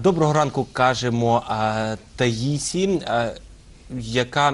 Доброго ранку кажемо Таїсі, яка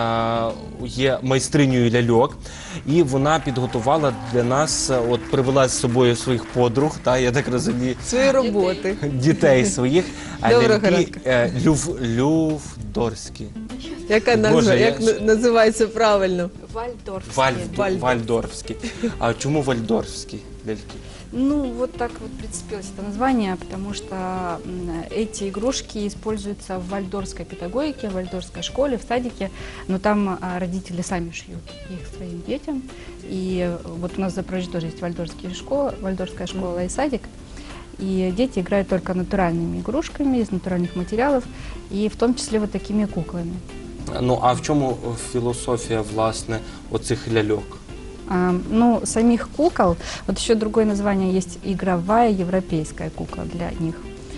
є майстринею ляльок, і вона підготувала для нас, от привела з собою своїх подруг, я так розумію, свої роботи, дітей своїх, ляльки лювдорські. Яка назва, як називається правильно? Вальдорфські. А чому вальдорфські ляльки? Ну, вот так вот прицепилось это название, потому что эти игрушки используются в вальдорфской педагогике, в вальдорфской школе, в садике, но там родители сами шьют их своим детям. И вот у нас в Запорожье тоже есть вальдорфская школа и садик. И дети играют только натуральными игрушками из натуральных материалов, и в том числе вот такими куклами. Ну, а в чому філософія, власне, оцих ляльок? Ну, самих кукол, вот еще другое название есть, игровая европейская кукла для них.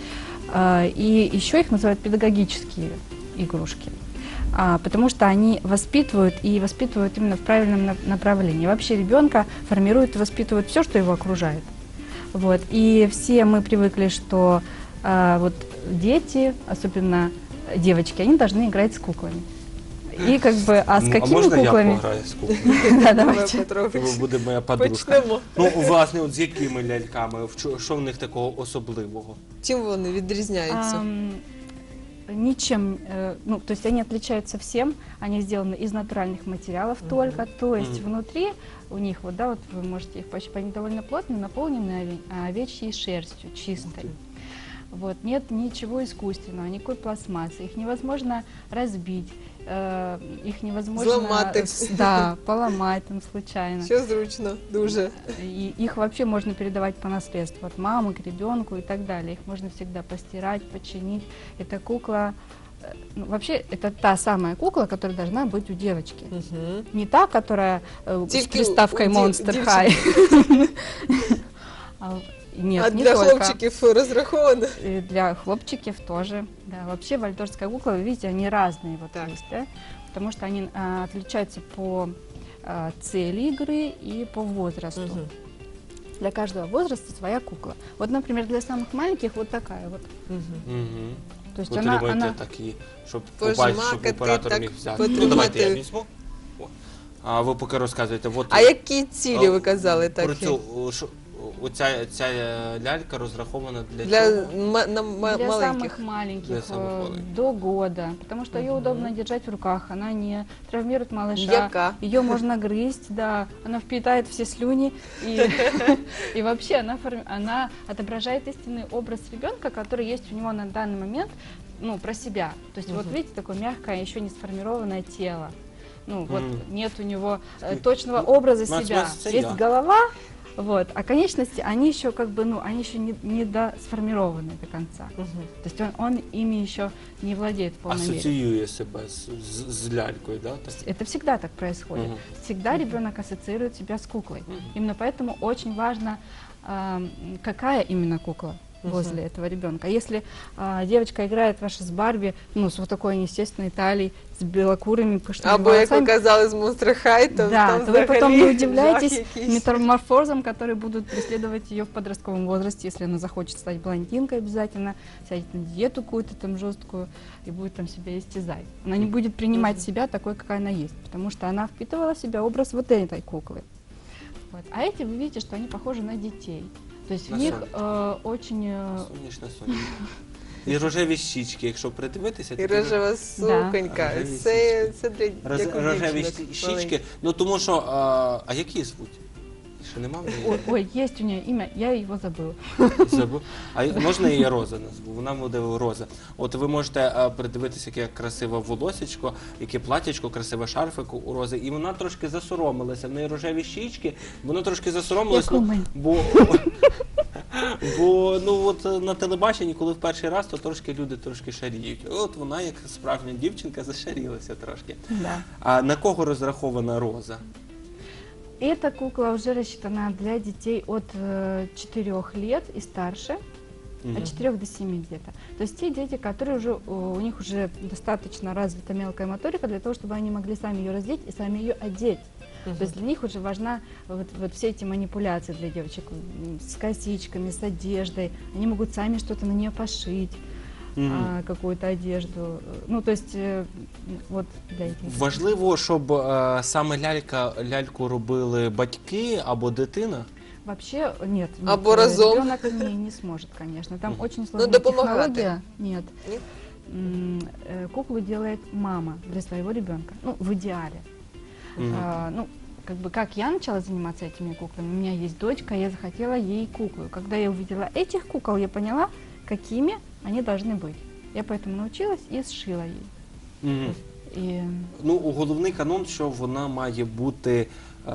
И еще их называют педагогические игрушки, потому что они воспитывают и воспитывают именно в правильном направлении. Вообще ребенка формирует и воспитывает все, что его окружает. Вот. И все мы привыкли, что вот дети, особенно девочки, они должны играть с куклами. И как бы, а с какими можна куклами? Я пограю з куклами? Да, давайте. Ви буде моя подружка. Почнемо. Ну, власне, от з якими ляльками? Що в них такого особливого? Чим вони відрізняються? Ничем, ну, то есть они отличаются всем, они сделаны из натуральных материалов только, то есть внутри у них, вот, да, вот вы можете их пощупать, они довольно плотные, наполнены овечьей шерстью, чистой. Вот, нет ничего искусственного, никакой пластмассы, их невозможно разбить, их невозможно поломать там случайно. Що зручно, дуже. И их вообще можно передавать по наследству от мамы к ребенку и так далее. Их можно всегда постирать, починить. Эта кукла, ну, вообще это та самая кукла, которая должна быть у девочки. Не та, которая с приставкой Monster High. Нет, а для хлопчиков розраховано? И для хлопчиков тоже. Да, вообще вальдорфская кукла, вы видите, они разные вот есть, да? Потому что они отличаются по цели игры и по возрасту. Для каждого возраста своя кукла. Вот, например, для самых маленьких вот такая вот. То есть она такі, щоб побачити, щоб оператор міг взяти. Ну, давайте я візьму. А ви поки розказуєте. А які цілі ви казали такі? Ця лялька розрахована для чего? Для самых маленьких, до года, потому что ее удобно держать в руках, она не травмирует малыша, ее можно грызть, да, она впитает все слюни, и вообще она отображает истинный образ ребенка, который есть у него на данный момент, ну, про себя. То есть вот видите, такое мягкое, еще не сформированное тело, ну, вот нет у него точного образа себя, есть голова. Вот. А конечности, они еще как бы, ну, они еще не сформированы до конца. То есть он ими еще не владеет в полной мере. Ассоциирует себя с лялькой, да? Это всегда так происходит. Всегда ребенок ассоциирует себя с куклой. Именно поэтому очень важно, какая именно кукла возле этого ребенка. Если девочка играет ваша с Барби, ну, с вот такой неестественной талией, с белокурыми пышными волосами. Або, як ви казали, з Monster High, то вы потом не удивляетесь метаморфозам, которые будут преследовать ее в подростковом возрасте, если она захочет стать блондинкой обязательно, сядет на диету какую-то там жесткую и будет там себя истязать. Она не будет принимать себя такой, какая она есть, потому что она впитывала в себя образ вот этой куклы. Вот. А эти, вы видите, что они похожи на детей. То есть в них очень... І рожеві щічки, якщо придивитися. І рожева суконька. Це для рожеві щічки. Ну тому що, а які звуть? Ще нема в неї? Ой, есть у нее имя, я его забыла. Забув? А можна її Роза назву? Вона буде Роза. От ви можете придивитися, яке красиве волосечко, яке платячко, красиве шарфик у Рози. І вона трошки засоромилася. В неї рожеві щічки, вона трошки засоромилася, бо ну от на телебаченні, коли в перший раз, то трошки люди трошки шаріють. От вона, як справжня дівчинка, зашарілася трошки. Да. А на кого розрахована Роза? Эта кукла уже рассчитана для детей от 4 лет и старше, от 4 до 7 где-то. То есть те дети, которые уже, у них уже достаточно развита мелкая моторика для того, чтобы они могли сами ее раздеть и сами ее одеть. То есть для них уже важна вот все эти манипуляции для девочек с косичками, с одеждой. Они могут сами что-то на нее пошить. какую-то одежду. Ну, то есть, вот для этих. Важливо, щоб саме ляльку робили батьки або дитина? Вообще нет. Або разом. Ребенок не сможет, конечно. Там очень сложная допомагати. технология. Нет. Нет? Куклу делает мама для своего ребенка. Ну, в идеале. Ну, как бы как я начала заниматься этими куклами, у меня есть дочка, я захотела ей куклу. Когда я увидела этих кукол, я поняла, какими они должны быть. Я поэтому научилась и сшила ей. І... Ну, головний канон, що вона має бути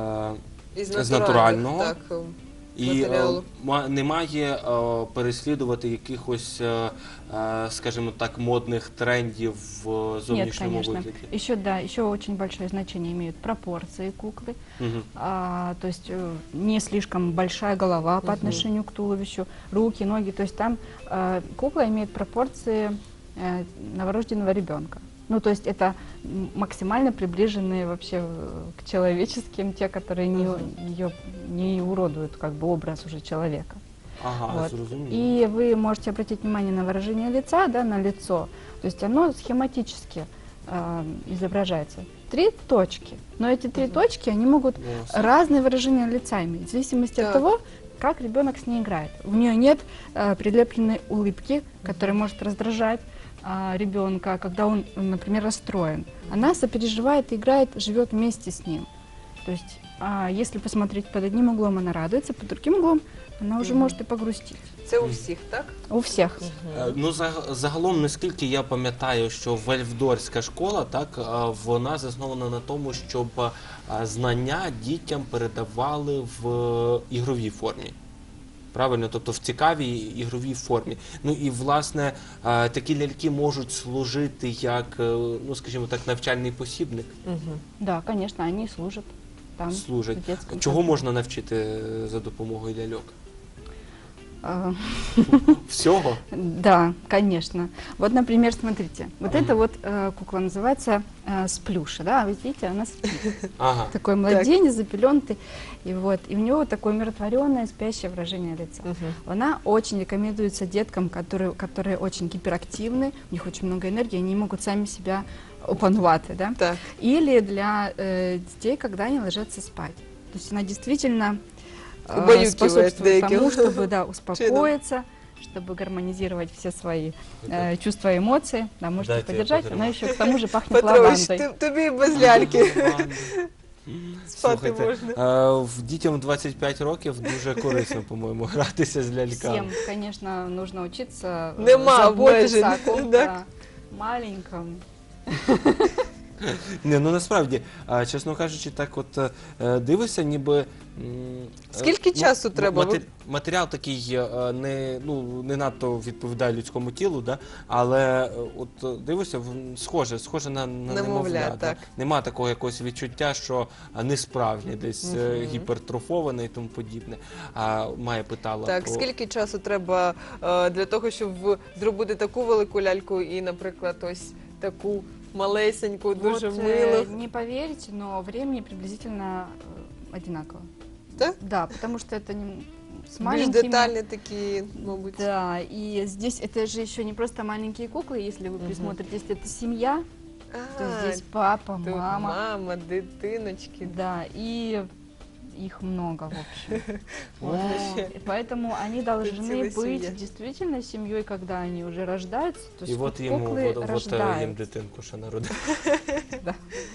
Із натурального. Так, і матеріалу. не має переслідувати якихось, скажімо так, модних трендів в зовнішньому Нет, вигляді. Еще, да, еще очень большое значение имеют пропорции куклы. То есть не слишком большая голова по отношению к туловищу, руки, ноги. То есть там кукла имеет пропорции новорожденного ребенка. Ну, то есть это максимально приближенные вообще к человеческим, те, которые ее не уродуют, как бы образ уже человека. Ага, вот. зрозуміло. И вы можете обратить внимание на выражение лица, да, на лицо. То есть оно схематически изображается. 3 точки. Но эти 3 точки, они могут разные выражения лица иметь, в зависимости от того, как ребенок с ней играет. У нее нет прилепленной улыбки, которая может раздражать ребенка, когда он, например, расстроен. Она сопереживает, играет, живет вместе с ним. То есть, если посмотреть под одним углом, она радуется, под другим углом она уже может и погрустить. Це у всіх, так? У всіх. Ну, загалом, наскільки я пам'ятаю, що Вальфдорфська школа, так, вона заснована на тому, щоб знання дітям передавали в ігровій формі. Правильно, тобто в цікавій ігровій формі. Ну і, власне, такі ляльки можуть служити як, ну, скажімо так, навчальний посібник. Да, конечно, они служат там. Служать. В детском Чого саду. можна навчити за допомогою ляльок? А, Всього? Да, конечно. Вот, например, смотрите, вот эта вот кукла называется Сплюша, да, вы видите, она спит. Ага. Такой младенец, запеленутый, и у него вот такое умиротворенное, спящее выражение лица. Она очень рекомендуется деткам, которые очень гиперактивны, у них очень много энергии, они не могут сами себя опанувати, да? Так. Или для детей, когда они ложатся спать. То есть она действительно Убаюкивает способствует тому, деяким чтобы успокоиться, чтобы гармонизировать все свои чувства и эмоции. Да, можете Дайте я подержать, подержу. она еще к тому же пахнет Петрович, лавандой. тобі без ляльки спати Слухайте, можна. в дітям 25 років дуже корисно, по-моєму, гратися з ляльками. Всем, конечно, нужно учиться Нема заботиться о обмежень, ком-то так? маленьком. Не, ну насправді, чесно кажучи, так от дивишся, ніби... Скільки часу треба? Матеріал такий не надто відповідає людському тілу, да? Але от дивишся, схоже на немовля. Так. Нема такого якогось відчуття, що несправжнє, десь гіпертрофоване і тому подібне. Майя питала Так, про... скільки часу треба для того, щоб зробити таку велику ляльку и, наприклад, ось таку малесеньку, дуже Вот, милу? не поверите, но времени приблизительно одинаково. Да? Да, потому что это с Більш маленькими... детальні такі, мабуть. Да, и здесь это же еще не просто маленькие куклы, если вы присмотритесь, это семья, то здесь папа, тут мама, мама, дитиночки. да, и их много, в общем. Можно ще. И поэтому они должны целая быть семья. действительно семьей, когда они уже рождаются, то І есть от йому куклы їм рождают. дитинку ще народили. Да.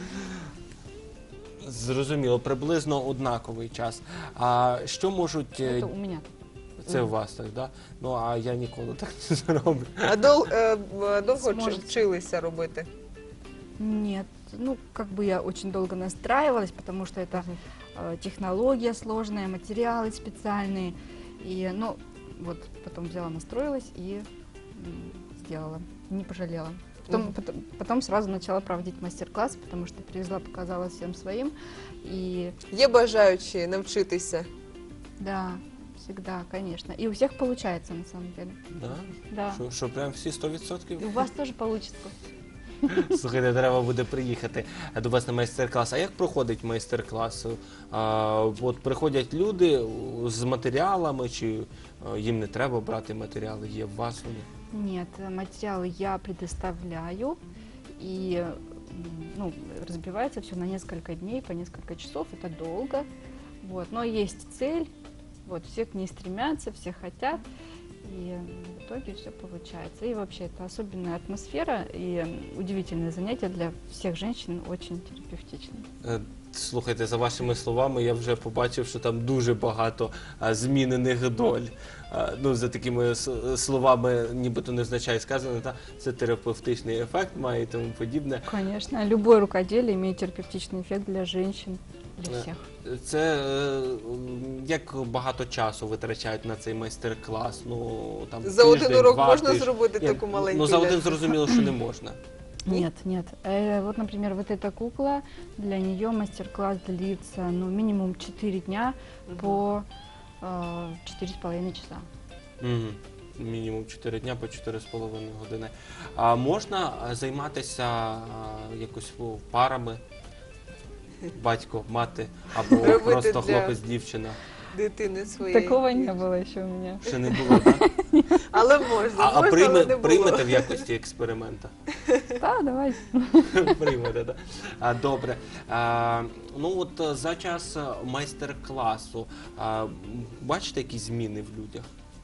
Зрозуміло, приблизно однаковий час. А що можуть... Это у меня. Це у вас так, да? Ну, а я ніколи так не зроблю. А довго Сможете. вчилися робити? Нет, ну как бы я очень долго настраивалась, потому что это технология сложная, материалы специальные. И, ну, вот потом взяла, настроилась и сделала, не пожалела. Потом сразу начала проводить мастер-классы, потому что привезла, показала всем своим. И Є бажаючі навчитися? да, всегда, конечно. И у всех получается, на самом деле. Да? Да. Що прям всі 100%? И у вас тоже получится. Слухайте, треба буде приїхати до вас на майстер-клас. А як проходить майстер-клас? От приходять люди з матеріалами, чи їм не треба брати матеріали, є в вас вони? Нет, материалы я предоставляю, и ну, разбивается все на несколько дней, по несколько часов, это долго. Вот. Но есть цель, вот, все к ней стремятся, все хотят, и в итоге все получается. И вообще это особенная атмосфера и удивительное занятие для всех женщин, очень терапевтичное. Слухайте, за вашими словами, я вже побачив, що там дуже багато змінених доль. Ну, за такими словами, нібито невзначай сказано, це терапевтичний ефект має і тому подібне. Конечно, любое рукоделие имеет терапевтичный эффект для женщин, для всех. Це як багато часу витрачають на цей майстер-клас? Ну, там, за тиждень, один урок два можна тижні? зробити таку маленьку Ну, за один ляльку? зрозуміло, що не можна. Нет, нет. Вот, например, вот эта кукла, для нее мастер-класс длится, ну, минимум 4 дня по 4,5 часа. Мінімум 4 дня по 4,5 години. А можна займатися якось парами? Батько, мати або Робити просто для- хлопець-дівчина? Дитини своєї. Такого не было еще у меня. Ще не було, так? Але можна, А можна, але не було. приймете в якості експеримента? Да, давай. Приймете, так? Добре. Ну от за час майстер-класу бачите якісь зміни в людях?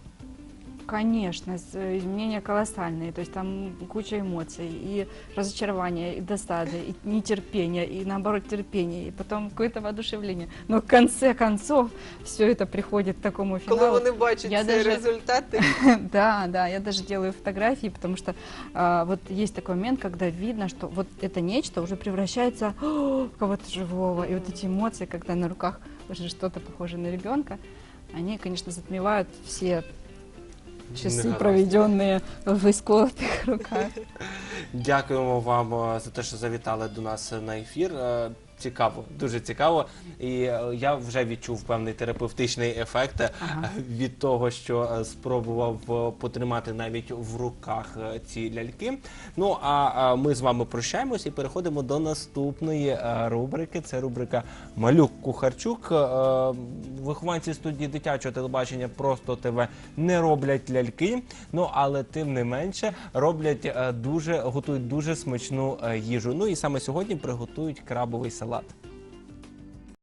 Конечно, изменения колоссальные, то есть там куча эмоций, и разочарования, и досады, и нетерпения, и наоборот терпения, и потом какое-то воодушевление. Но в конце концов все это приходит к такому Коли финалу. вони бачать Я цей даже- результат, Да, да, я даже делаю фотографии, потому что вот есть такой момент, когда видно, что вот это нечто уже превращается в кого-то живого, и вот эти эмоции, когда на руках уже что-то похоже на ребенка, они, конечно, затмевают все часы, Негаразд. проведенные в исколотых руках. Дякуємо вам за те, що завітали до нас на ефір. Цікаво, дуже цікаво. І я вже відчув певний терапевтичний ефект від того, що спробував потримати навіть в руках ці ляльки. Ну, а ми з вами прощаємось і переходимо до наступної рубрики. Це рубрика «Малюк-кухарчук». Вихованці студії дитячого телебачення «Просто ТВ» не роблять ляльки, ну, але тим не менше готують дуже смачну їжу. Ну і саме сьогодні приготують крабовий салат.